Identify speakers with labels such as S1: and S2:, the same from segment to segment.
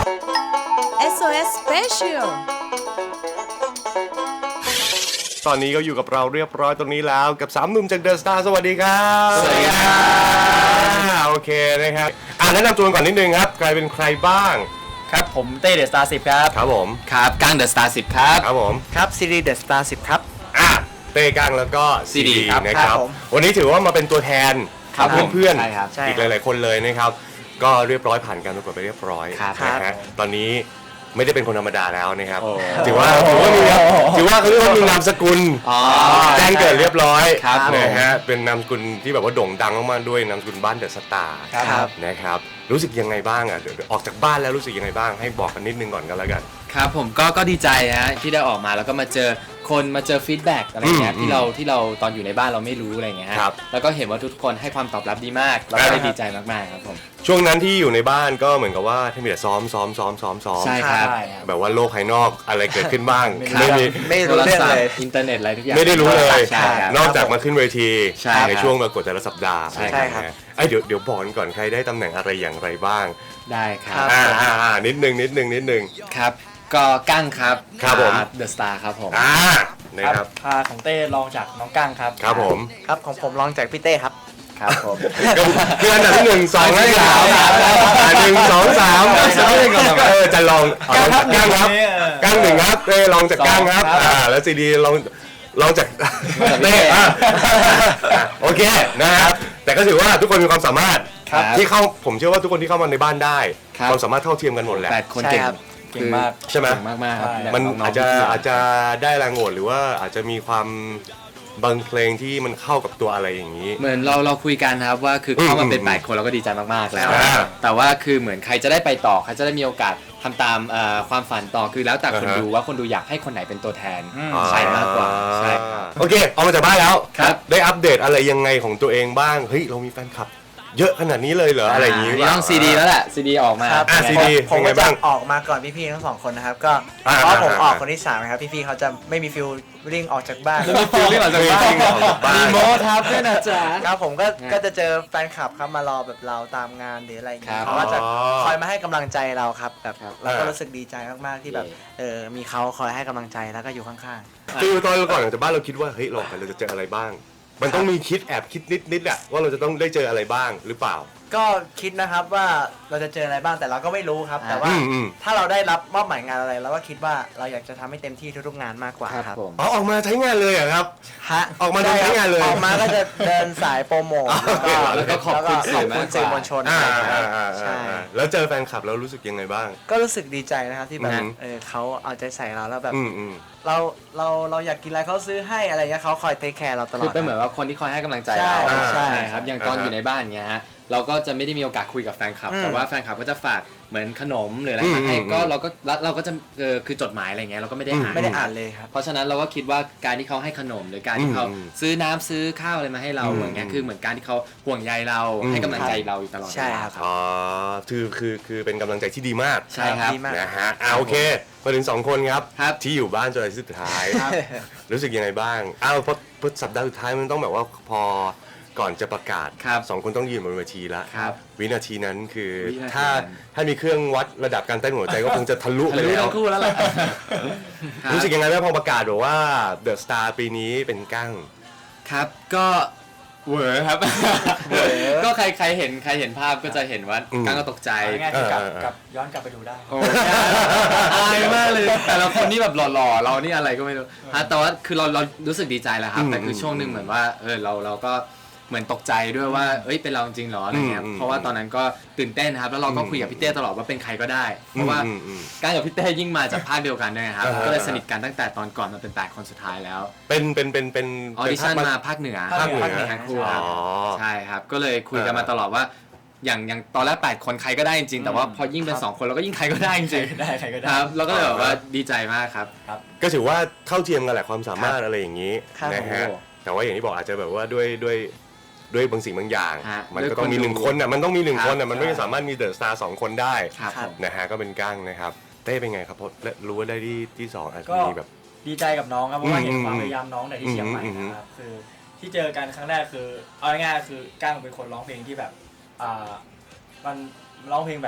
S1: SOS Special
S2: ตอนนี้ก็อยู่กับเราเรียบร้อยตรงนี้แล้วกับ3หนุ่มจากเดอะสตาร์สวัสดีครับ
S3: สวัสดีครับ
S2: โอเคนะครับแนะนำตัวก่อนนิดนึงครับใครเป็นใครบ้าง
S3: ครับผมเต้เดอะสตาร์10ครับ
S2: ครับผม
S3: ครับก้างเดอะสตาร์10ครับ
S2: ครับผม
S4: ครับซีรีส์เดอะสตาร์10ครับ
S2: เต้กังแล้วก็ซีดี
S3: ครับ
S2: นะครับ
S4: ผม
S2: วันนี้ถือว่ามาเป็นตัวแทน
S3: ครับ
S2: เพื่อน
S3: ใช่ครับ
S2: ๆอีกหลายๆคนเลยนะครับก็เรียบร้อยผ่านการประกวดไปเรียบร้อย
S3: ครับ
S2: นะฮะตอนนี้ไม่ได้เป็นคนธรรมดาแล้วนะครับ
S3: โอ้
S2: ถือว่าเขาเรียกว่ามีนามสกุล
S3: อ๋อ
S2: แจ้งเกิดเรียบร้อย
S3: ครับ
S2: นะฮะเป็นนามสกุลที่แบบว่าโด่งดังมากๆด้วยนามสกุลบ้านเดอะสตาร์
S3: ครับ
S2: นะครับรู้สึกยังไงบ้างอ่ะเดี๋ยวออกจากบ้านแล้วรู้สึกยังไงบ้างให้บอกกันนิดนึงก่อนกันแล้วกัน
S3: ครับผมก็ดีใจฮะที่ได้ออกมาแล้วก็มาเจอคนมาเจอฟีดแบ็กอะไรเงี้ย
S2: อืม
S3: ที่เราตอนอยู่ในบ้านเราไม่รู้อะไรเงี้ยฮะ
S2: ครับ
S3: แล้วก็เห็นว่าทุกคนให้ความตอบรับดีมากเราก็เลยดีใจมากๆครับผม
S2: ช่วงนั้นที่อยู่ในบ้านก็เหมือนกับว่าที่มีแต่ซ้อม
S3: ใช่ครับ
S2: แบบว่าโลกภายนอกอะไรเกิดขึ้นบ้าง
S4: ไม่
S2: ไม่มี
S4: ไม่รู้เรื่องเลย
S3: อินเทอร์เน็ตอะไรทุกอย่าง
S2: ไม่ได้รู้เลย
S3: ใช่ครับ
S2: นอกจากมาขึ้นเวที
S3: ใช่ครับ
S2: ในช่วงประกวดแต่ละสัปดาห์
S3: ใช่
S4: ครับ
S2: ไอ้เดี๋ยวบอกกันก่อนใครได้ตำแหน่งอะไรอย่างไรบ้าง
S3: ได้ครับ
S2: นิดนึง
S3: ครับก็ก้างครับ
S2: ครับผม
S3: เดอะสตาร์ครับผม
S2: นะครับ
S5: พาของเต้ลองจากน้องกั้งครับ
S2: ครับผม
S4: ครับของผมลองจากพี่เต้ครับ
S3: ครับผม
S2: ก็คืออันดับที่1 2และ3 1 2 3จะลองก้างครับก้างหนึ่งครับเต้ลองจากก้างครับแล้วซีดีลองจากเต้โอเคนะครับแต่ก็ถือว่าทุกคนมีความสามารถ
S3: ครับ
S2: ที่เข้าผมเชื่อว่าทุกคนที่เข้ามาในบ้านได้
S3: ครับ
S2: ความสามารถเท่าเทียมกันหมดแหละ
S3: 8 คน
S4: ใช่
S3: เก่ง
S4: ครับ
S5: เก่งมาก
S2: ใช่ไหม
S3: เก่งมากๆครับ
S5: ใช่
S2: มัน
S3: น้งๆ
S2: อาจจะ
S3: พี่ๆ
S2: อาจจะได้แรงโหวตหรือว่าอาจจะมีความบางเพลงที่มันเข้ากับตัวอะไรอย่างนี้
S3: เหมือนเราคุยกันครับว่าคือเข้ามาเป็น
S2: อืม
S3: 8 คนเราก็ดีใจมากๆแล้ว
S2: อ่า
S3: แต่ว่าคือเหมือนใครจะได้ไปต่อใครจะได้มีโอกาสทำตามความฝันต่อคือแล้วแต่คน
S2: อ่าฮะ
S3: ดูว่าคนดูอยากให้คนไหนเป็นตัวแทน
S2: อ่า
S3: ใช่มากกว่าใช่ครับ
S2: โอเคออกมาจากบ้านแล้ว
S3: ครับ
S2: ได้อัปเดตอะไรยังไงของตัวเองบ้างเฮ้ยเรามีแฟนคลับ เยอะขนาดนี้เลยเหรออะไรอย่างนี้
S3: นี่ต้องซีดีแล้วแหละซีดีออกมา
S4: ครับ
S2: ซีดี
S4: ผม
S2: เป็นไง
S4: ก็จะ
S2: บ้าง
S4: ออกมาก่อนพี่ๆทั้งสองคนนะครับก็
S2: อ่า
S4: เพราะผม
S2: อ่า
S4: ออกคนที่3นะครับพี่ๆเขาจะไม่มีฟิลลิ่งออกจากบ้าน
S3: แล้วมีฟิลลิ่งออกจากบ้าน
S2: ฟิลลิ่งออกจากบ้าน
S3: มีโมทับด้วยนะจ๊ะ
S4: ครับผมก็จะเจอแฟนคลับครับมารอแบบเราตามงานหรืออะไรอย่าง
S3: ครั
S4: เงี้ย
S3: บ
S4: เขาก็จะคอยมาให้กำลังใจเราครับแบบ
S3: ครับ
S4: เราก็รู้สึกดีใจมากๆที่แบบ
S3: เย่
S4: มีเขาคอยให้กำลังใจแล้วก็อยู่ข้าง
S2: ฟิลตอนก่อนออกจากบ้านเราคิดว่าเฮ้ยเราออกไปเราจะเจออะไรบ้าง มันต้องมีคิดแอบคิดนิดๆอะว่าเราจะต้องได้เจออะไรบ้างหรือเปล่า
S4: ๆก็คิดนะครับว่าเราจะเจออะไรบ้างแต่เราก็ไม่รู้ครับ แต่ว่า
S2: อืม
S4: ถ้าเราได้รับมอบหมายงานอะไรเราก็คิดว่าเราอยากจะทำให้เต็มที่ทุกๆงานมากกว่า
S3: ครับ
S4: ครับ
S3: ผม
S2: อ๋อออกมาใช้งานเลยเหรอะครับ
S4: ฮะ
S2: ออกมาเดินใช้งานเลย
S4: ออกมาก็จะเดินสายโปรโมท
S3: แล้วก็ขอบคุณสื่อมากกว่า
S4: สื่อมวลชน ใช่
S2: แล้วเจอแฟนคลับแล้วรู้สึกยังไงบ้าง
S4: ก็รู้สึกดีใจนะครับที่แบบ
S2: อืม
S4: เขาเอาใจใส่เราแล้วแบบ
S2: อืม
S4: เราอยากกินอะไรเขาซื้อให้อะไรเงี้ยเขาคอยเทคแคร์เราตลอ
S3: คือ
S4: ด
S3: เป็นเหมือนว่าคนที่คอยให้กำลังใจ
S4: ใช่
S3: เรา
S4: ใช่
S3: ครับอย่างตอนอยู่ในบ้านเงี้ยฮะเราก็จะไม่ได้มีโอกาสคุยกับแฟนคลับ แต่ว่าแฟนคลับก็จะฝากเหมือนขนมหรืออะไรมาให้ก็เราก็จะคือจดหมายอะไรเงี้ยเราก็ไม่ได้อ่าน
S4: ไม่ได้อ่านเลยครับ
S3: เพราะฉะนั้นเราก็คิดว่าการที่เขาให้ขนมหรือการที่เขาซื้อน้ำซื้อข้าวอะไรมาให้เราอย่างเงี้ยคือเหมือนการที่เขาห่วงใยเราให้กำลังใจเราอยู่ตลอดเวลา
S4: ใช่ครับ
S2: อ๋อคือเป็นกำลังใจที่ดีมาก
S3: ใช่ครับ
S4: ดีมาก
S2: นะฮะโอเคมาถึง2คนครับ
S3: ครับ
S2: ที่อยู่บ้านจนอาทิตย์สุดท้าย รู้สึกยังไงบ้างเพราะสัปดาห์สุดท้ายมันต้องแบบว่าพอก่อนจะประกาศ
S3: ครับ
S2: 2 คนต้องยืนบนเวทีแล้ว
S3: ครับ
S2: วินาทีนั้นคือ
S3: วินาที
S2: ถ้า
S3: นั้น
S2: ถ้ามีเครื่องวัดระดับการเต้นหัวใจก็คงจะทะลุไป
S3: รู้
S2: แล้ว
S3: ทั้งคู่แล้วแหละ
S2: รู้สึกยังไงบ้างพอประกาศบอกว่าเดอะสตาร์ปีนี้เป็นกั้ง
S3: ครับก็เหวอครับ ก็ใครเห็นภาพก็จะเห็นว่า
S2: อืม
S3: ก้างก็ตกใจ
S5: ง่ายๆคือกลับย้อนกลับไปดูได้
S3: โอ้อายมากเลย แต่ละคนนี่แบบหล่อๆเรานี่อะไรก็ไม่รู้ฮะแต่ว่าคือเรารู้สึกดีใจแล้วครับ แต่คือช่วงหนึ่งเหมือนว่าเราก็เหมือนตกใจด้วยว่าเอ้ยเป็นเราจริงเหรออะไรเงี้ยเพราะว่าตอนนั้นก็ตื่นเต้นนะครับแล้วเราก็คุยกับพี่เต้ตลอดว่าเป็นใครก็ได้เพราะว่าก้างกับพี่เต้ยิ่งมาจากภาคเดียวกันด้วยครับก็เลยสนิทกันตั้งแต่ตอนก่อนมาเป็น8 คนสุดท้ายแล้ว
S2: เป็น
S3: ออดิชั่นมาภาคเหนือ
S2: ภาคเหนือ
S3: ทั้งคู่ครับ
S2: อ๋อ
S3: ใช่ครับก็เลยคุยกันมาตลอดว่าอย่างตอนแรก8 คนใครก็ได้จริงๆแต่ว่าพอยิ่งเป็น2 คนเราก็ยิ่งใครก็ได้จริงๆ
S5: ได้ใครก็ได้
S3: ครับแล้วก็เลยแบบว่าดีใจมากครับ
S2: ก็ถือว่าเท่าเทียมกันแหละความสามารถอะไรอย่างนี้
S4: ครับ
S2: นะฮะ
S3: โอ้
S2: แต่ว่าอย่างที่บอกอาจจะแบบว่าด้วยบางสิ่งบางอย่าง
S3: ฮะ
S2: มันก็ต้องมี
S3: ด้วยคนดู
S2: 1 คนน่ะมันต้องมี 1 คนน่ะ
S3: ครับ
S2: มันไม่สามารถมีเดอะสตาร์2 คนได้
S3: ครับผม
S2: นะฮะก็เป็นกั้งนะครับเต้เป็นไงครับเพราะรู้ว่าได้ที่2อาจจะ
S5: ก็
S2: มีแบบ
S5: ดีใจกับน้องครับเพราะว่าเห็น
S2: อืม
S5: ความพยายามน้องแต่ที่เชียงใหม่
S2: อืม
S5: นะครับคือที่เจอกันครั้งแรกคือเอาง่ายๆคือก้างเป็นคนร้องเพลงที่แบบมันร้องเพลงแบบ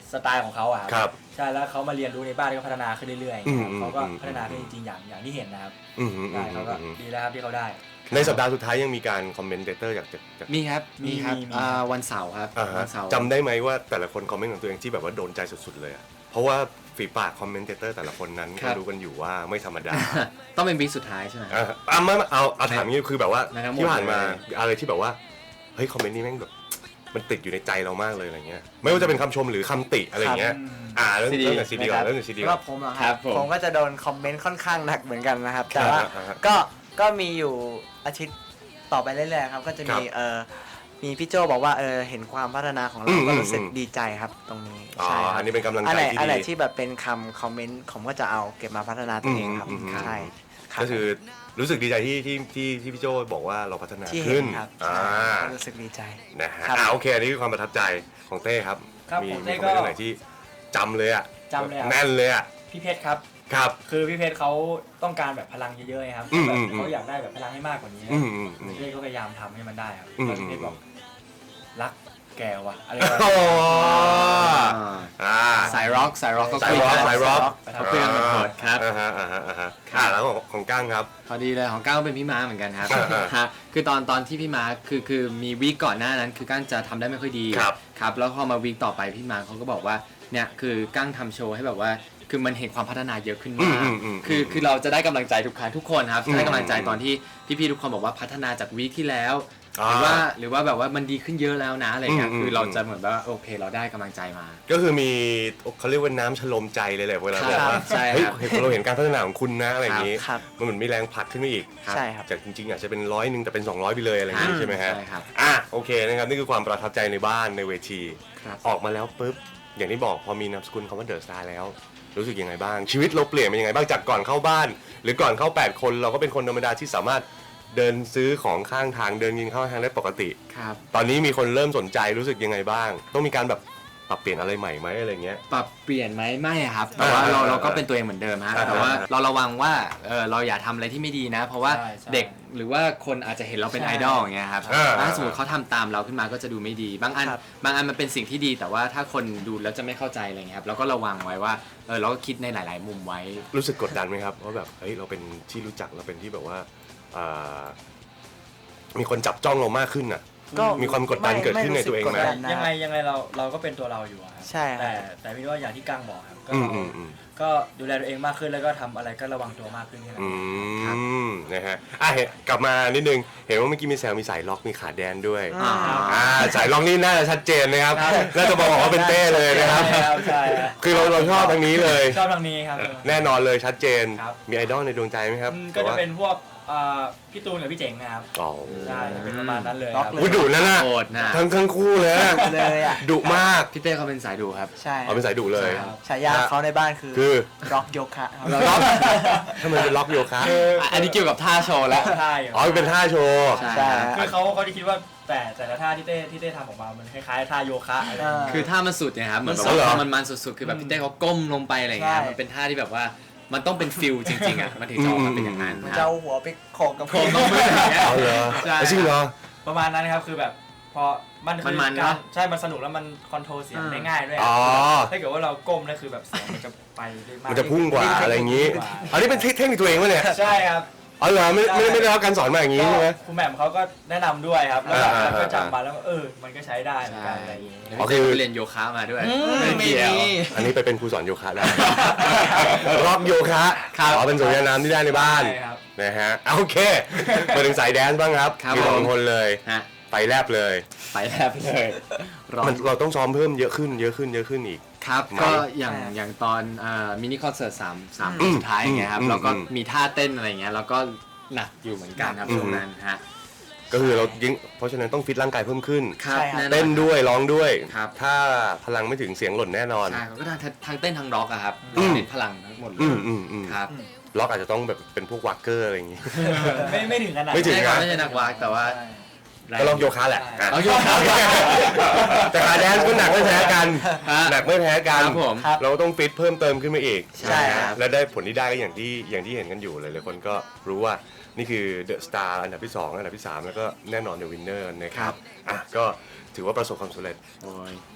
S5: สไตล์ของเขาอะ
S2: ครับ
S5: ใช่แล้วเขามาเรียนรู้ในบ้านก็พัฒนาขึ้นเรื่อย
S2: อืม
S5: ๆเขาก็พัฒนาขึ้นจริงๆอย่างที่เห็นนะครับ
S2: อืม
S5: ใช่เขาก็ดีแล้วครับที่เขาได้
S2: ในสัปดาห์สุดท้ายยังมีการคอมเมนเตอร์จาก
S3: มีครับ
S5: มี
S3: ครับ
S5: มี
S3: วันเสาร์ครับ
S2: อ่าฮะ
S3: วันเสาร์
S2: จำได้ไหมว่าแต่ละคนคอมเมนต์ของตัวเองที่แบบว่าโดนใจสุดๆเลยอะเพราะว่าฝีปากคอมเมนเตอร์แต่ละคนนั้นก็รู้กันอยู่ว่าไม่ธรรมดา
S3: ต้องเป็นวีคสุดท้ายใช่ไหม
S2: เอาถามงี้คือแบบว่า
S3: นะครับ
S2: ที่ผ่านมา
S3: หมดเลย
S2: อะไรที่แบบว่าเฮ้ยคอมเมนต์นี้แม่งแบบมันติดอยู่ในใจเรามากเลยอะไรเงี้ยไม่ว่าจะเป็นคำชมหรือคำติอะไรเงี้ยเรื่องจากซีดีก่อนเรื่องจากซีดี
S4: สำห
S2: ก่อ
S4: รั
S2: น
S4: บผมเหรอค
S3: ครั
S4: รั
S3: บบ ผม
S4: ผมก็จะโดนคอมเมนต์ค่อนข้างหนักเหมือนกันนะครับ แต่ว่า
S2: อ่า
S4: ก็มีอยู่อาทิตย์ต่อไปเรื่อยๆครับก็จะมี
S2: ครับ
S4: มีพี่โจบอกว่าเห็นความพัฒนาของ
S2: อื
S4: เรา
S2: ม
S4: ก็รู้สึก
S2: อืม
S4: ดีใจครับตรงนี้
S2: อ๋อ
S4: ใช่ครับ
S2: อันนี้เป็นกำลัง
S4: อัน
S2: ใจ
S4: ไหน
S2: ที่
S4: อันไหน
S2: ดี
S4: ที่แบบเป็นคอมเมนต์ผมก็จะเอาเก็บมาพัฒนาตัวเองครับ
S2: อืม
S4: ใช่รับ
S2: ก็คือรู้สึกดีใจที่พี่โจบอกว่าเราพัฒนา
S4: ที่เห็
S2: ขึ้
S4: น
S2: น
S4: ครับ
S2: อ่า
S4: ก็รู้สึกดีใจ
S2: นะฮะ
S4: ครับ
S2: โอเคอันนี้คือความประทับใจของเต้ครับ
S5: ครับ
S2: มี
S5: ของ
S2: มี
S5: เต้
S2: คอม
S5: ก็
S2: เมนต์ไหนที่จำเลยอ่ะ
S5: จำเลยครับ
S2: แน่นเลยอ่ะ
S5: พี่เพชรครับ
S2: ครับ
S5: คือพี่เพชรเขาต้องการแบบพลังเยอะๆครับ
S2: อืม
S5: แบบ
S2: อืม
S5: เขาอยากได้แบบพลังให้มากกว่านี้
S2: อืมอืมอืม
S5: พี่เพชรก็พยายามทำให้มันได้ครับ
S2: อืม
S5: แล้วพี่เพชรบอกรักแกว่ะอะไร
S2: โอ้
S3: อ่าสายร็อกก็
S2: สาย
S3: คุย
S2: ร็อก
S3: กัน
S2: สายร็อก
S3: เขาคุยกันหมดครับ
S2: แล้วของก้างครับ
S3: พอดีเลยของก้าวก็เป็นพี่ม้าเหมือนกันครับ
S2: อ่า
S3: ฮะคือตอนที่พี่ม้าคือมีวีคก่อนหน้านั้นคือก้างจะทำได้ไม่ค่อยดี
S2: ครับ
S3: ครับแล้วพอมาวีคต่อไปพี่ม้าเขาก็บอกว่าเนี่ยคือก้างทำโชว์ให้แบบว่าคือมันเห็นความพัฒนาเยอะขึ้นมาก คือเราจะได้กำลังใจทุกครั้งทุกคนครับจะได้กำลังใจตอนที่พี่ๆทุกคนบอกว่าพัฒนาจากวีคที่แล้ว หรือว่าแบบว่ามันดีขึ้นเยอะแล้วนะอะไรเงี้ยคือเราจะเหมือนว่าโอเคเราได้กำลังใจมา
S2: ก็คือมีเขาเรียกว่าน้ำชโลมใจเลยแหละเวลาบอกว่า
S3: ใช่
S2: เฮ้ย
S3: ครับ
S2: เราเห็นการพัฒนาของคุณนะอะไรอย่างนี้
S4: ครับ
S2: มันเหมือนมีแรงผลักขึ้นมาอีก
S4: ใช่ครับ
S2: จากจริงๆอาจจะเป็น100แต่เป็น200ไปเลยอะไรอย่างนี้ใช่ไหมฮะ
S3: ใช่ครับ
S2: โอเคนะครับนี่คือความประทับใจในบ้านในเวที
S3: ครับ
S2: ออกมาแล้วปุ๊บอย่างที่บอกพอมีนามสกุลคำว่าเดอะสตาร์แล้ว รู้สึกยังไงบ้าง ชีวิตเราเปลี่ยนเป็นยังไงบ้างจากก่อนเข้าบ้าน หรือก่อนเข้า8คนเราก็เป็นคนธรรมดาที่สามารถเดินซื้อของข้างทางเดินกินข้าวทางได้ปกติ
S3: ครับ
S2: ตอนนี้มีคนเริ่มสนใจรู้สึกยังไงบ้าง ต้องมีการแบบปรับเปลี่ยนอะไรใหม่ไหมอะไรเงี้ย
S3: ปรับเปลี่ยนไหมไม่ครับแต่ว่าเราก็เป็นตัวเองเหมือนเดิมฮะแต่ว่าเราระวังว่าเราอย่าทำอะไรที่ไม่ดีนะ เพราะว่า
S5: ใช่ใช่
S3: เด็กหรือว่าคนอาจจะเห็นเราเป็น
S5: ใช่
S3: ไอดอลอย่างเงี้ยครับ ถ้าสมมติเขาทำตามเราขึ้นมาก็จะดูไม่ดี บางอัน
S4: ครับ
S3: มันเป็นสิ่งที่ดี แต่ว่าถ้าคนดูแล้วจะไม่เข้าใจอะไรเงี้ยครับเราก็ระวังไว้ว่าเราก็คิดในหลาย ๆ มุมไว้
S2: รู้สึกกดดันไหมครับว่าแบบเฮ้ยเราเป็นที่รู้จักเราเป็นที่แบบว่าอ่ามีคนจับจ้องเรามากขึ้นอ่ะ
S4: ก็
S2: มีความกดดันเกิดขึ้นในตัวเองไหม
S4: รู้สึกกดดันนะ
S5: ยังไงเราก็เป็นตัวเราอยู่อะครับ
S4: ใช่ครับ
S5: แต่พี่ว่าอย่างที่กั้งบอกครับก็ ก็ดูแลตัวเองมากขึ้นแล้วก็ทำอะไรก็ระวังตัวมากขึ้นแค่นั้น
S2: นะฮะกลับมานิดนึงเห็นว่าเมื่อกี้มีแซวมีสายล็อกมีขาแดนด้วย
S4: อ่า
S2: สายล็อกนี่น่าจะชัดเจนนะครับน่าจะบอกว่าเป็นเต้เลยนะครับ
S5: ใช่ครับ
S2: คือเราชอบทางนี้เลย
S5: ชอบทางนี้ครับ
S2: แน่นอนเลยชัดเจน
S5: ครับ
S2: มีไอดอลในดวงใจไหมครับ
S5: ก็จะเป็นพวกพี่ตูนกับพี่เจ๋งนะครับ
S2: อ๋อ
S5: ใช่จะเป็นประมาณนั้นเลย
S4: ล็
S5: ค
S4: อก
S5: รับ
S4: เลย
S2: อุ๊ยดุนั่นน่ะ
S3: โหดนะ
S2: ทั้งคู่เลยอะ
S4: เลยอ่ะ
S2: ดุมาก
S3: พี่เต้เขาเป็นสายดูครับ
S4: ใช่
S2: เอาเป็นสายดุเลย
S5: ครับ
S4: ฉายาเขาในบ้านคือ
S2: คือ
S4: ร็อกโยคะครับ
S2: ล็อกทำไมเป็นล็อกโยคะ
S3: อันนี้เกี่ยวกับท่าโชว์แล้ว
S5: ใช่
S2: อ๋อเป็นท่าโชว์
S3: ใช่
S4: ใช่
S5: คือเขาจะคิดว่าแต่ละท่าที่เต้ทำออกมามันคล้ายๆท่าโยคะอะไรอย่างเงี้ย
S3: คือท่ามันสุดเนี่ยครับเหมือนแบบ
S2: มันสุดเหรอ
S3: ว่ามันสุดๆคือแบบพี่เต้เขาก้มลงไปอะไรอย่างเงี้ย
S4: ใช่
S3: มันเป็นท่าที่แบบว่ามันต้องเป็นฟิลจริงๆอ่ะมันถึงจะออกมาเป็นอย่างนั้น
S4: มัน
S3: นะค
S4: จะ
S3: รับ
S4: เอาหัวไปโขกกับ
S3: โขกกับมืออย่างเงี้ย
S2: เอาเหรอ
S3: ใช่
S2: จริงเหรอ
S5: ประมาณนั้นครับคือแบบพอมันคือ
S3: มันๆ
S5: การ
S3: เนอะ
S5: ใช่มันสนุกแล้วมันคอนโทรลเสียงได้ง่ายด้วย
S2: อ๋อ
S5: ถ้าเกิดว่าเราก้มนั่นคือแบบเสียงมันจะไปได้มาก
S2: มันจะพุ่งกว่าอะไรอย่างนี้อันนี้เป็นเทคนิคตัวเองวะเนี่ย
S5: ใช่ครับ
S2: อ๋อเหรอไม่ได้รับการสอนมาอย่างนี้ใช่ไหม
S5: คุณแหม่มเขาก็แนะนำด้วยครับ แล้วแบบ
S2: อ่า
S5: ก็จำมาแล้วก็มันก็ใช้ได้เหมือนกันอะไรอย่างงี้
S2: อ๋อ
S3: พี่
S2: คื
S3: เต้
S2: อ
S3: ไปเรียนโยคะมาด้วย
S4: ไม่
S3: เกี่ยว
S4: มี
S2: อันนี้ไปเป็นครูสอนโยคะได้ ร็อกโยคะ
S3: ครับ
S2: อ๋อเป็นสวนยานน้ำที่ได้ในบ้าน
S5: ใช่ครับ
S2: นะฮะโอเคมาถึงสายแดนซ์บ้างครับ
S3: ครับ
S2: มีสอง
S3: ผม
S2: คนเลย
S3: ฮะ
S2: ไปแลบเลย
S3: ไปแล้วเลยร้อน
S2: เราต้องซ้อมเพิ่มเยอะขึ้นอีก
S3: ครับ
S2: ไหม
S3: ก็อย่างตอนมินิคอนเสิร์ต3สุดท้ายอย่างเงี้ยครับแล้วก็มีท่าเต้นอะไรเงี้ยแล้วก็หนักอยู่เหมือนกันครับช่วงนั้นฮะ
S2: ก็คือเรายิ่งเพราะฉะนั้นต้องฟิตร่างกายเพิ่มขึ้น
S3: ครับ
S4: ใช่ครับ
S3: แน่นอน
S2: เต้นด้วยร้องด้วย
S3: ครับ
S2: ถ้าพลังไม่ถึงเสียงหล่นแน่นอน
S3: ใช่ก็ทั้งเต้นทั้งร็อกอะครับ
S2: อืม
S3: เน้นพลังทั้งหมดเลย
S2: อืม
S3: ครับ
S2: ล็อกอาจจะต้องแบบเป็นพวกวักเกอร์อะไรอย่างงี้
S5: ไม่ถึงขนาด
S2: ไม่ถึง
S3: ใช่ครับไม่ใช่นักวากแต่ว่า
S2: ก็ล็อกโยคะแหละอ่ะ
S3: เอาโยคะ
S2: แต่ขาแดนซ์ก็หนักไม่แพ้กัน
S3: ฮะ
S2: หนักไม่แพ้กัน
S3: ครับผม
S2: เราต้องฟิตเพิ่มเติมขึ้นมาอีก
S3: ใช่ครับ
S2: และได้ผลที่ได้ก็อย่างที่เห็นกันอยู่เลยหลายคนก็รู้ว่านี่คือเดอะสตาร์อันดับที่ 2 อันดับที่ 3 แล้วก็แน่นอนเดอะวินเนอร์นะครับก็ถือว่าประสบความสำเร็จ
S3: โอ้ย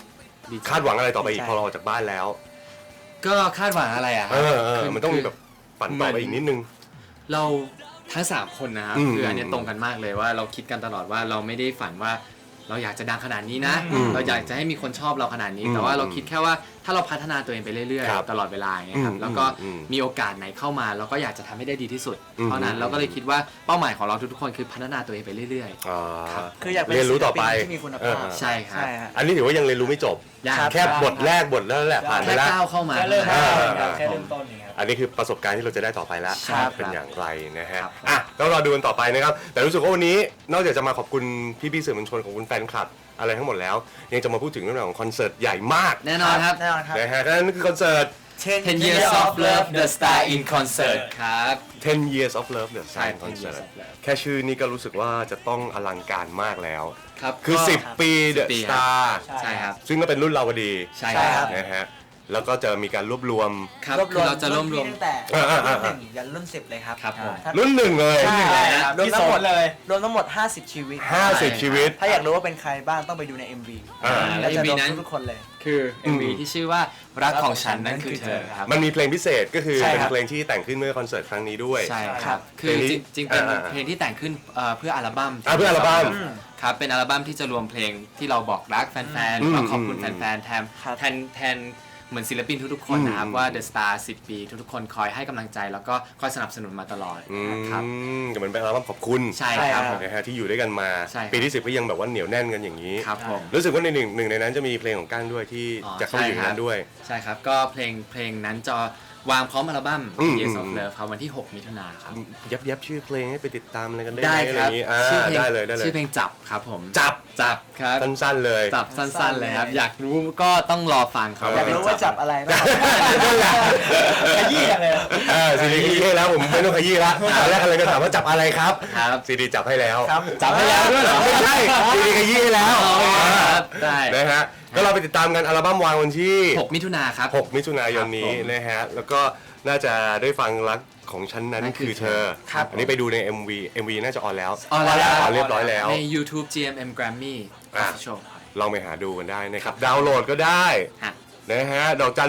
S3: ดีใจ
S2: คาดหวังอะไรต่อไปอีก
S4: ดีใจ
S2: พอเราออกจากบ้านแล้ว
S3: ก็คาดหวังอะไรอ่ะ
S2: คือมันต้องมีแบบฝันต่อไปอีกนิดนึง
S3: เราทั้ง3คนนะครับ คืออันเนี้ยตรงกันมากเลยว่าเราคิดกันตลอดว่าเราไม่ได้ฝันว่าเราอยากจะดังขนาดนี้นะ เราอยากจะให้มีคนชอบเราขนาดนี้ แต่ว่าเราคิดแค่ว่าถ้าเราพัฒนาตัวเองไปเรื่อย
S2: ครับ
S3: ๆตลอดเวลาอย่างเงี้ยครับแล้วก็มีโอกาสไหนเข้ามาเราก็อยากจะทำให้ได้ดีที่สุดเท่านั้นเราก็เลยคิดว่าเป้าหมายของเราทุกๆคนคือพัฒนาตัวเองไปเรื่อย
S2: อ่า
S4: คืออยากเป็น
S2: เรียนรู้ต่อไป
S4: ศิลปินที่มีคุณภาพ
S3: ๆ ใช่ครับ
S4: ใช่ฮะ
S2: อันนี้ถือว่ายังเรียนรู้ไม่จบ
S3: อย่าง
S4: ครับ
S2: แค่บทแรกบทแล้วแหละผ่านไป
S3: แค่
S2: แล้ว
S3: ก้าวเข้ามา
S5: แค่เริ่ม
S2: อ่า
S5: แค่เริ่มต้นอย่างเงี้ยครับ
S2: อันนี้คือประสบการณ์ที่เราจะได้ต่อไปแล้ว
S3: ครับ
S2: เป็นอย่างไรนะฮะ
S3: ครับ
S2: อ่ะก็รอดูกันต่อไปนะครับ แต่รู้สึกว่าวันนี้นอกจากจะมาขอบคุณพี่ๆสื่อมวลชนของคุณแฟนคลับอะไรทั้งหมดแล้ว ยังจะมาพูดถึงเรื่องราวของคอนเสิร์ตใหญ่มาก
S3: แน่นอนครับ
S4: แน่นอนครับ
S2: นะฮะนั่นคือคอนเสิร์ต
S3: 10 Years of Love The Star in Concert ครับ
S2: 10 Years of Love The
S3: ใช่
S2: Sign
S3: 10
S2: Concert
S3: Years of Love
S2: แค่ชื่อนี้ก็รู้สึกว่าจะต้องอลังการมากแล้ว
S3: ครับ
S2: คือ
S3: ก็
S2: 10 ปี The
S3: 10 ปี
S2: Star
S3: ใช่ครับ
S2: ซึ่งก็เป็นรุ่นเราพอดี
S3: ใช่
S4: ใช่
S3: ค
S4: ครั
S3: รับ
S4: บ
S2: นะฮะแล้วก็จะมีการรวบรวม
S3: ครับคือเราจะร่วมรวม
S4: ตั้งแต่
S2: อ่า
S4: รุ่น1ยันรุ่น10เลยครับ
S3: ครับผม
S4: ถ้า
S2: รุ่นหนึ่งเลย
S4: ใช่
S5: ครับ
S4: รวมทั้งหมด
S5: ที่สอนเลย
S4: รวมทั้งหมด50 ชีวิต
S2: 50 ชีวิต
S4: ถ้าอยากรู้ว่าเป็นใครบ้างต้องไปดูใน MV
S2: อ่า
S4: แล้วจะ
S3: MV
S4: โดน
S3: นั้น
S4: ทุกคนเลย
S3: คือ MV ที่ชื่อว่ารักของฉันนั่นคือเธอครับ
S2: มันมีเพลงพิเศษก็คือ
S4: ใช่
S2: เป็น
S4: ครับ
S2: เพลงที่แต่งขึ้นเมื่อคอนเสิร์ตครั้งนี้ด้วย
S3: ใช่
S4: ค
S3: ค
S4: รั
S3: รับ บ คือจริงๆเป็น
S2: อ่า
S3: เพลงที่แต่งขึ้นเพื่ออัลบั้ม
S2: เพื่ออัลบั้ม
S3: ครับ เป็นอัลบั้มที่จะรวมเพลงที่เราบอกรักแฟนๆ
S2: อืม
S3: แล้วขอบคุณ
S2: อืม
S3: แฟนๆ
S4: ครับ
S3: แทนเหมือนศิลปินทุกๆ คนนะครับ ว่า The Star 10 ปีทุกๆ คนคอยให้กำลังใจ แล้วก็คอยสนับสนุนมาตลอดครับ
S2: ก็เหมือนเป็นอัลบั้มขอบคุณ
S3: ใช่ครับผม
S2: นะฮะที่อยู่ด้วยกันมา
S3: ใช่ครับ
S2: ปีที่ 10 ก็ยังแบบว่าเหนียวแน่นกันอย่างนี้
S3: ครับผม
S2: รู้สึกว่าในหนึ่งในนั้นจะมีเพลงของก้างด้วยที่
S3: อ๋อ
S2: จะเข้าอยู่ในนั้นด้วย
S3: ใช่ครับ ก็เพลงนั้นจะวางพร้อมอัลบั้ม Years of Love ครับวันที่ 6 มิถุนายนครับ
S2: ยับชื่อเพลงให้ไปติดตามอะไรกันได้
S3: ได้
S2: ไหมอะไร
S3: ค
S2: อ
S3: รับ
S2: ย่างนี้
S3: ชื่อเพลง
S2: ได้เลยได้เลย
S3: ชื่อเพลงจับครับผม
S2: จับ
S3: ครับ
S2: สั้นๆเลย
S3: จับสั้นๆเลยครับ อยากรู้ก็ต้องรอฟังครับ
S4: อยากรู้ว่าจับอะไรบ้าง
S5: ขยี้กันเลย
S2: ซีดีขยี้ให้แล้วผมไม่ต้องขยี้ละตอนแรกอะไรก็ถามว่าจับอะไรครับ
S3: ครับ
S2: ซีดีจับให้แล้ว
S4: ครับ
S3: จับให้แล้วด้วยเหรอ
S2: ไม่ใช่ซีดีขยี้ให้แล้ว
S3: ครับได้
S2: นะฮะก็เราไปติดตามกันอัลบั้มวางวันที่
S3: 6 มิถุนายนครับ
S2: 6 มิถุนายนนี้
S3: ครับผม
S2: นะฮะแล้วก็น่าจะได้ฟังรักของฉันนั้น
S3: นั่นคื
S2: คือ
S3: อ
S2: เธอ
S3: ครับ
S2: อันนี้ไปดูใน MV น่าจะออนแล้ว
S3: ออนแล้ว
S2: เรียบร้อยแล้ว
S3: ใน YouTube GMM Grammy
S2: อ่ะ
S3: Official ครับ
S2: ลองไปหาดูกันได้นะครับ ดาวน์โหลดก็ได้
S3: ฮะ
S2: นะฮะดอกจัน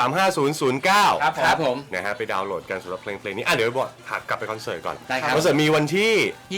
S2: 1235009
S3: ครับผม
S2: นะฮะไปดาวน์โหลดกันสำหรับเพลงนี้เดี๋ยวบอกหักกลับไปคอนเสิร์ตก่อน
S3: ได้ครับ
S2: คอนเสิร์ตมีวันที่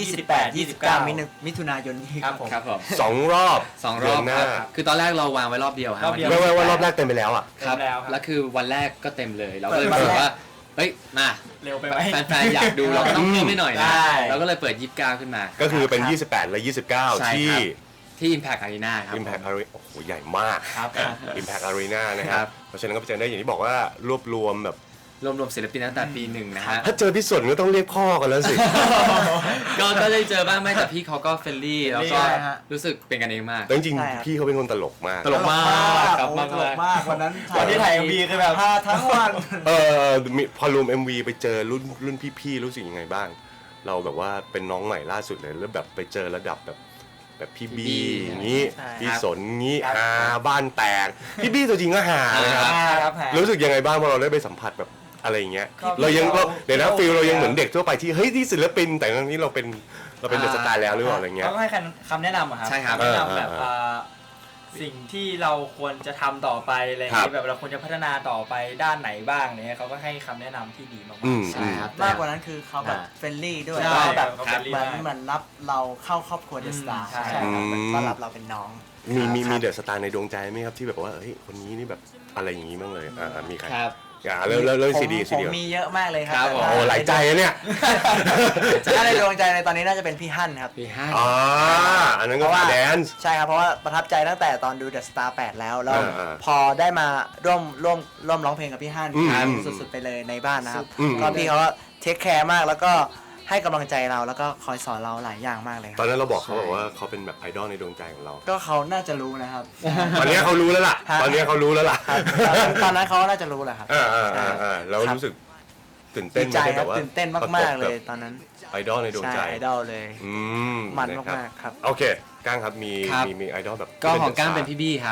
S4: 28 29 มิถุนายนนี้
S5: ครับผม
S3: ครับผม
S2: 2 รอบ
S3: 2 ร
S2: เดื
S3: อน บ
S2: ห
S3: ค
S2: น้า
S3: รับคือตอนแรกเราวางไว้รอบเดียวครับ
S5: รอบเดียว
S2: ไม่ว่ารอบแรกเต็มไปแล้วอ่ะ
S3: ครับ
S5: เต็มแล้วครับ
S3: แล้วคือวันแรกก็เต็มเลย เราก็เลยรู้สึกว่า เฮ้ย มา
S5: เร็วไปไหม
S3: แฟนๆ อยากดูเราก็ต้องเพิ่มให้หน่อยนะ
S5: ได้
S3: เราก็เลยเปิด 29 ขึ้นมา
S2: ก็คือเป็น
S4: ครับ
S2: 28 และ
S3: ใช่
S2: 29 ที่
S3: ครับ ที่ Impact Arena ครับ
S2: Impact Arena โอ้โหใหญ่มาก
S5: ครับ
S2: Impact Arena นะค
S3: ครั
S2: รับบ เพราะฉะนั้นก็ไปเจอได้อย่างที่บอกว่ารวบรวมแบบ
S3: รวมศิลปินตั้งแต่ปีหนึ่งนะฮะ
S2: ถ้าเจอพี่สนก็ต้องเรียกพ่อกันแล้วสิ
S3: ก็ได้เจอบ้างไหมแต่พี่เขาก็เฟรนลี่แล้วก็
S4: ใช่ฮะ
S3: รู้สึกเป็นกันเองมาก
S2: แต่จริง
S4: ใช่ครับ
S2: ๆพี่เขาเป็นคนตลกมาก
S3: ตลกมากครับ
S4: โอ้
S3: มาก
S4: ตลกมากวันนั้น
S5: วันที่ถ่าย MV คือแบบ
S4: พาทั้งวัน
S2: พอรวม MV ไปเจอรุ่นพี่ๆรู้สึกยังไงบ้าง เราแบบว่าเป็นน้องใหม่ล่าสุดเลยแล้วแบบไปเจอระดับแบบพี่บี
S3: พี่บี้
S2: อย่างนี้
S4: ใช่
S2: พี่สนงี้
S5: ครับ
S2: ฮาบ้านแตกพี่บี้ตัวจริงก็ฮานะครับ
S5: ครับฮะ
S2: รู้สึกยังไงบ้างพอเราได้ไปสัมผัสแบบอะไรอย่างเงี้ย
S5: ก็
S2: เรายัง
S5: เรา
S2: เดี๋ยวนะฟิลเรายังเหมือนเด็กทั่วไปที่เฮ้ยที่ศิลปินแต่ทั้งนี้เราเป็นเดอะสตาร์แล้วหรือเปล่าอะไรเงี้ย
S5: เขาก็ให้คำแนะนำอะครับ
S3: ใช่ครับ
S5: แนะนำแบบ
S2: เออ
S5: สิ่งที่เราควรจะทำต่อไปอะไรอย่าง
S2: ครั
S5: นี้
S2: บ
S5: แบบเราควรจะพัฒนาต่อไปด้านไหนบ้างเนี่ยเขาก็ให้คำแนะนำที่ดีมาก
S2: อืม
S3: ใช่ครับ
S4: มากกว่านั้นคือเขาแบบเฟรนลี่ด้วย
S5: ใช่
S4: แล้วแบบ
S5: เขา friendly
S4: เหมือน
S5: มาก
S4: เหมือนรับเราเข้าครอบครัวเดอะสตาร์
S5: ใช่
S4: ใช่ครับเหมือนต้อนรับเราเป็นน้อง
S2: มีเดอะสตาร์ในดวงใจไหมครับที่แบบว่าเฮ้ยคนนี้นี่แบบอะไรอย่างงี้บ้างเลยมีใคร
S3: ครับ
S2: เริ่มซีดี
S4: ผมมีเยอะมากเลยครั
S3: ครับผม
S2: โอ้หลายใจอะเนี่ย
S4: ถ้าในดวงใจในตอนนี้น่าจะเป็นพี่ฮั่นครับ
S3: ปีห้า
S2: อันนั้นก็ขาแดนซ์
S4: ใช่ครับ เพราะว่าประทับใจตั้งแต่ตอนดู The Star 8 แล้ว
S2: อ่า
S4: พอได้มาร่วมร้องเพลงกับพี่ฮั่น
S2: อืม
S4: ครับสุดๆไปเลยในบ้านนะครับ
S2: อืม
S4: ก็พี่เขาก็เทคแคร์มากแล้วก็ให้กำลังใจเราแล้วก็คอยสอนเราหลายอย่างมากเลยค
S2: ตอ
S4: รับ
S2: นนั้นเราบอกเขาบอกว่าเขาเป็นแบบไอดอลในดวงใจของเรา
S4: ก็เขาน่าจะรู้นะครับ
S2: ตอนนี้เขารู้แล้วล่ะ
S4: ฮะ
S2: ตอนนี้เขารู้แล้วล่ะ
S4: ตอนนั้นเขาน่าจะรู้แหละครับ
S2: แล้วรู้สึกตื่นเต้
S4: ดี
S2: น
S4: ใจ
S2: ไหม
S4: ครับ
S2: แบบว่า
S4: ตื่นเต้นมากๆเลยตอนนั้น
S2: ไอดอลในดวง
S4: ใช่
S2: ใจ
S4: ไอดอลเลย
S2: อืม
S4: มัน
S2: นะ
S4: มากๆครับ
S2: โอเคก้างครับมี
S3: ครับ
S2: มีไอดอลแบบ
S3: ก็ของก้างเป็นพี่บี้ครับ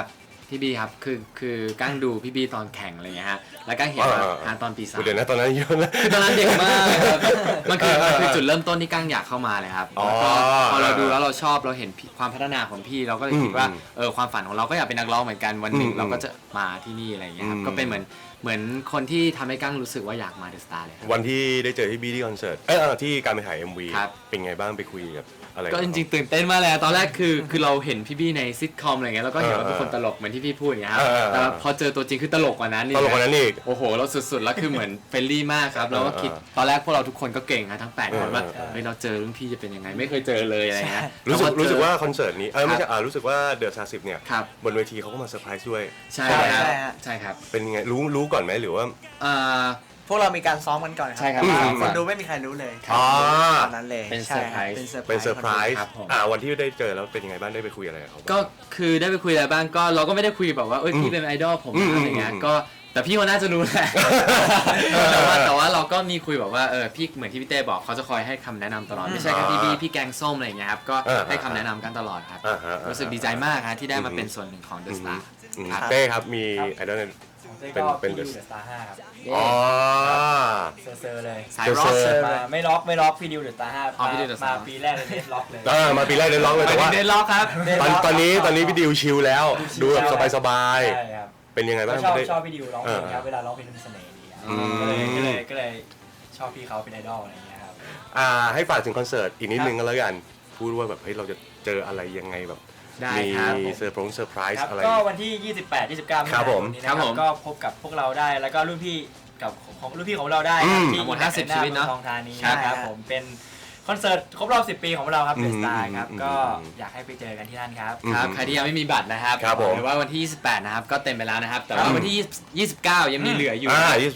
S3: พี่บีครับคือก้างดูพี่บีตอนแข่งอะไรเงี้ยฮะแล้วก้างเห็นว่าตอนปี 3
S2: เดี๋ยวนะตอนนั้นเยอะนะ
S3: คือตอนนั้นเด็กมากครับมันคือจุดเริ่มต้นที่ก้างอยากเข้ามาเลยครับแล้วก็พอเราดูแล้วเราชอบเราเห็นความพัฒนาของพี่เราก็เลยคิดว่าความฝันของเราก็อยากเป็นนักร้องเหมือนกันวันหนึ่งเราก็จะมาที่นี่อะไรเงี้ยครับก็เป็นเหมือนคนที่ทำให้ก้างรู้สึกว่าอยากมาเดอะสตาร์เลยครับ
S2: วันที่ได้เจอพี่บีที่คอนเสิร์ตที่การไปถ่าย MV
S3: ครับ
S2: เป็นไงบ้างไปคุยกับอะไร
S3: ก็จริงๆตื่นเต้นมากเลยตอนแรกคือเราเห็นพี่บี้ในซิทคอมอะไรเงี้ยแล้วก็เห็นว่าเป็นคนตลกเหมือนที่พี่พูดอย่างเงี้ยครับแต่พอเจอตัวจริงคือตลกกว่านั้นนี่
S2: ตลกกว่านั้นอีก
S3: โอ้โหเราสุดๆแล้วคือเหมือนเฟรนลี่มากครับแล้วก็คิดตอนแรกพวกเราทุกคนก็เก่งนะทั้ง8คนว่าเฮ้ยเราเจอรุ่นพี่จะเป็นยังไงไม่เคยเจอเลยอะไรเงี้ย
S2: รู้สึกว่าคอนเสิร์ตนี้ไม่ใช่รู้สึกว่าเดอะ30เนี่ย
S3: ครับ
S2: บนเวทีเขาก็มาเซอร์ไพรส์ด้วย
S3: ใช่ครับ
S4: ใช่ฮะ
S3: ใช่ครับ
S2: เป็นยังไงรู้ก่อนไหมหรือว่า
S3: อ่า
S4: พวกเรามีการซ้อมกันก่อน
S3: ใช่ครับ
S4: คนดูไม่มีใครรู้เลย
S2: อ๋อ
S4: ตอนนั้นเลย
S3: เป็น
S4: ใช่
S3: เซอร์ไพรส์
S2: เป็นเซอร์ไพรส์
S3: ครับผม
S2: วันที่ได้เจอแล้วเป็นยังไงบ้างได้ไปคุยอะไรกับเขาบ้าง
S3: ก็คือได้ไปคุยอะไรบ้างก็เราก็ไม่ได้คุยแบบว่าเอ้ยพี่เป็นไอดอลผมนะอะไรเงี้ยก็แต่พี่เขาน่าจะรู้แหละ แต่ว่าเราก็มีคุยแบบว่าพี่เหมือนที่พี่เต้บอกเขาจะคอยให้คำแนะนำตลอดไม่ใช่แค่พี่แกงส้มอะไรอย่างเงี้ยครับก็ให้คำแนะนำกันตลอดครับรู้สึกดีใจมากฮะที่ได้มาเป็นส่วนหนึ่งของ The Star ครับ
S2: เต้ครับมีไอดอล
S5: ของเต้ก็
S2: เป็น
S5: พี่ดิวเดอะสตาร์5ครับ
S2: อ๋อ
S5: เซอร์เลย
S3: สายร็อก
S2: เซอร์
S5: มาไม่ล็อกพี่ดิวเดอะสตาร์5
S3: อ๋อพี่ดิว The
S5: มา
S3: Star
S5: ปีแรกเลยเดสล็อกเลย
S2: มาปีแรกได้ร้องเลยแต่ว่า
S3: เดนล็อกครับ
S2: ตอนนี้พี่ดิวชิลแล้วดูแบบสบาย
S5: ใช่ครับ
S2: ๆเป็นยังไงบ้าง
S5: ก็ชอบ
S2: ได้
S5: ชอบพี่ดิวร้องเพลงครับเวลาร้องเพลงมีเสน่ห์ดีครับก็เลยชอบพี่เขาเป็นไอดอลอะไรอย่างเงี้ยครับ
S2: ให้ฝากถึงคอนเสิร์ตอีกนิดนึงก็แล้วกันพูดว่าแบบเฮ้ยเราจะเจออะไรยังไงแบบ
S3: ได้
S2: มี
S3: ครับ
S2: เซอร์ไพร
S5: ครับ
S2: ส์อะไร
S5: ก็วันที่ 28 29
S2: ครับผม
S5: นี้
S3: ครับ
S5: นะค
S3: ผ
S5: รับ
S3: ม
S5: ก็พบกับพวกเราได้แล้วก็รุ่นพี่กับของรุ่นพี่ของเราได้ครับที่
S3: ทั้งหมด
S5: แอ
S3: 50 ชีวิตเนอะ
S5: ทองธานี
S3: ครับ
S5: นะครับผมเป็นคอนเสิร์ตครบรอบ 10 ปีของเราครับเดอะสตาร์ครับ
S2: อืม
S5: ก็อยากให้ไปเจอกันที่นั่นครับ
S3: ครับใครที่ยังไม่มีบัตรนะครับ
S2: ครับผม
S3: หรือว่าวันที่ 28 นะครับก็เต็มไปแล้วนะครับ แต่ว่าวันที่ 29 ยังมีเหลืออยู่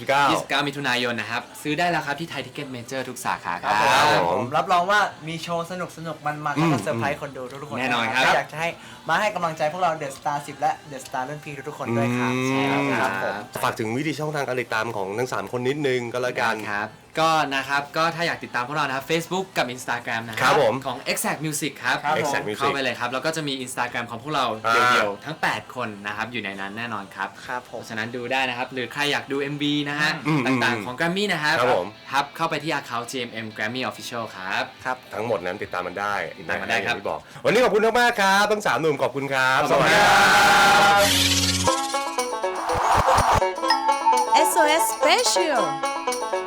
S2: 29
S3: มิถุนายนนะครับ ซื้อได้แล้วครับที่ไทยทิเก็ตเมเจอร์ทุกสาขาค
S4: ค
S3: รั
S4: รั
S3: บบ
S2: ผม
S4: รับรองว่ามีโชว์สนุกมันแล้วก็เซอร์ไพรส์คนดูทุกๆคน
S3: แน่นอนครับ
S4: อยากจะให้มาให้กำลังใจพวกเราเดอะสตาร์10และเดอะสตาร์รุ่นพี่ทุกๆคนด้วยครับ
S2: ใช่ครับ
S4: ผม
S2: ฝากถึงวิธีช่องทางการติดตามของทั้ง 3 คนนิดนึงก็แล้วกัน
S3: ครับก็นะครับก็ถ้าอยากติดตามพวกเรานะครับ Facebook กับ Instagram นะค
S2: ครั
S3: รับ
S2: ผม
S3: ของ Exact Music ครับ
S5: ครับผม
S2: Exact Music
S3: เข้าไปเลยครับ แล้วก็จะมี Instagram ของพวกเรา
S2: อ่า
S3: เดี่ยวๆทั้ง 8 คนนะครับอยู่ในนั้นแน่นอนครับ
S4: ครับผ
S3: เพ
S4: ม
S3: ราะฉะนั้นดูได้นะครับ หรือใครอยากดู MV นะฮะ
S2: อืม
S3: ต่างๆของ Grammy นะครับ
S2: ครับผม
S3: ครับเข้าไปที่ account GMM Grammy Official ครับ
S4: ครับ
S2: ทั้งหมดนั้นติดตามมันได้
S3: ติดตามมันได้ครับ
S2: อย่างที่บอก วันนี้ขอบคุณมากๆครับทั้ง 3 หนุ่มขอบคุณครับ
S3: ขอบคุณครับ
S1: SOS Special